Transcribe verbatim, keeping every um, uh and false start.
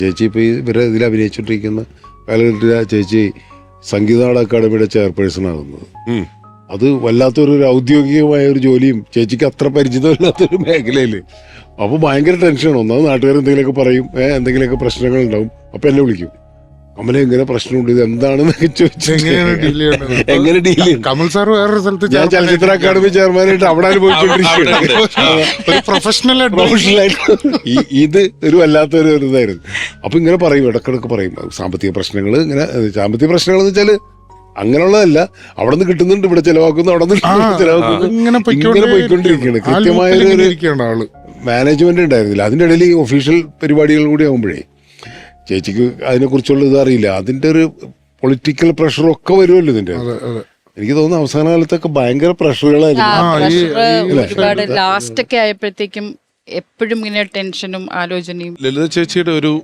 ചേച്ചി ഇപ്പോൾ ഇവരെ ഇതിൽ അഭിനയിച്ചുകൊണ്ടിരിക്കുന്ന കാലഘട്ടത്തിൽ ആ ചേച്ചി സംഗീതനാട അക്കാദമിയുടെ ചെയർപേഴ്സൺ ആകുന്നത്. അത് വല്ലാത്തൊരു ഔദ്യോഗികമായ ഒരു ജോലിയും ചേച്ചിക്ക് അത്ര പരിചിതമില്ലാത്തൊരു മേഖലയിൽ. അപ്പോൾ ഭയങ്കര ടെൻഷനാണ്. ഒന്നാമത് നാട്ടുകാർ എന്തെങ്കിലുമൊക്കെ പറയും, ഏഹ് എന്തെങ്കിലുമൊക്കെ പ്രശ്നങ്ങൾ ഉണ്ടാവും. അപ്പം എന്നെ വിളിക്കും, കമല എങ്ങനെ പ്രശ്നമുണ്ട്, ഇത് എന്താണെന്നൊക്കെ ചോദിച്ചു എങ്ങനെ ഡീൽ ചെയ്യും. കമൽ സാർ വേറൊരു സ്ഥലത്ത് ഞാൻ ചലച്ചിത്ര അക്കാദമി ചെയർമാനായിട്ട് അവിടെ അനുഭവിച്ചുകൊണ്ടിരിക്കുകയാണ് പ്രൊഫഷണൽ പ്രൊഫഷണലായിട്ട്. ഇത് ഒരു വല്ലാത്തൊരു ഇതായിരുന്നു. അപ്പൊ ഇങ്ങനെ പറയും, ഇടക്കിടക്ക് പറയും സാമ്പത്തിക പ്രശ്നങ്ങൾ. ഇങ്ങനെ സാമ്പത്തിക പ്രശ്നങ്ങൾ എന്ന് വെച്ചാല് അങ്ങനെയുള്ളതല്ല, അവിടെ നിന്ന് കിട്ടുന്നുണ്ട്, ഇവിടെ ചെലവാക്കുന്നു, അവിടെ നിന്ന് ചെലവാക്കുന്നു, ഇങ്ങനെ പോയിക്കൊണ്ടിരിക്കുകയാണ്. കൃത്യമായ ഒരു മാനേജ്മെന്റ് ഉണ്ടായിരുന്നില്ല. അതിൻ്റെ ഇടയിൽ ഈ ഒഫീഷ്യൽ പരിപാടികൾ കൂടി ആകുമ്പോഴേ ചേച്ചിക്ക് അതിനെക്കുറിച്ചുള്ള ഇത് അറിയില്ല. അതിന്റെ ഒരു പൊളിറ്റിക്കൽ പ്രഷറൊക്കെ വരുമല്ലോ ഇതിന്റെ. എനിക്ക് തോന്നുന്നു അവസാന കാലത്തൊക്കെ ഭയങ്കര പ്രഷറുകളായിരുന്നു. ലാസ്റ്റ് ഒക്കെ ആയപ്പോഴത്തേക്കും എപ്പോഴും ഇങ്ങനെ ടെൻഷനും ആലോചനയും. ലളിത ചേച്ചിയുടെ ഒരു